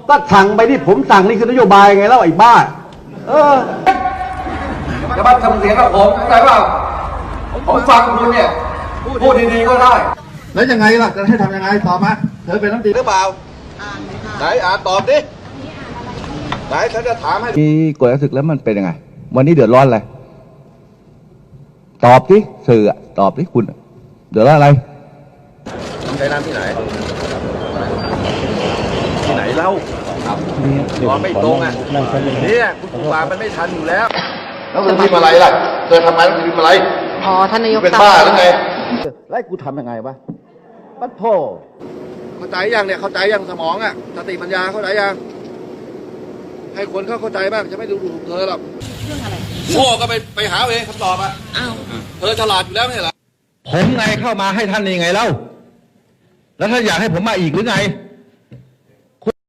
ก็สั่งไปที่ผมสั่งนี่คือนโยบายไงแล้วไอ้บ้าจะมาทำเสียงกับผมเข้าใจเปล่าผมฟังคุณเนี่ยพูดดีๆก็ได้แล้วยังไงล่ะจะให้ทำยังไงตอบมาเธอเป็นน้ำดีหรือเปล่าไหนตอบดิไหนฉันจะถามให้มีกฎหมายศึกแล้วมันเป็นยังไงวันนี้เดือดร้อนอะไรตอบดิสื่อตอบดิคุณเดือดร้อนอะไรใช้น้ำที่ไหนเล่าตอนไม่ตรงอ่ะเนี่ยคุณครูบามันไม่ทันอยู่แล้วแล้วคุณพิมพ์อะไรล่ะเธอทำไมต้องพิมพ์อะไรพอท่านนายกเป็นบ้าหรือไงแล้วกูทำยังไงวะปัดโธ่เข้าใจยังเนี่ยเข้าใจยังสมองอ่ะสติปัญญาเข้าใจยังให้คนเข้าใจบ้างจะไม่ดูถูกเธอหรอกเรื่องอะไรโง่ก็ไปหาเองคำตอบอ่ะอ้าวเธอฉลาดอยู่แล้วไม่ใช่เหรอผมไงเข้ามาให้ท่านนี่ไงเล่าแล้วท่านอยากให้ผมมาอีกหรือไง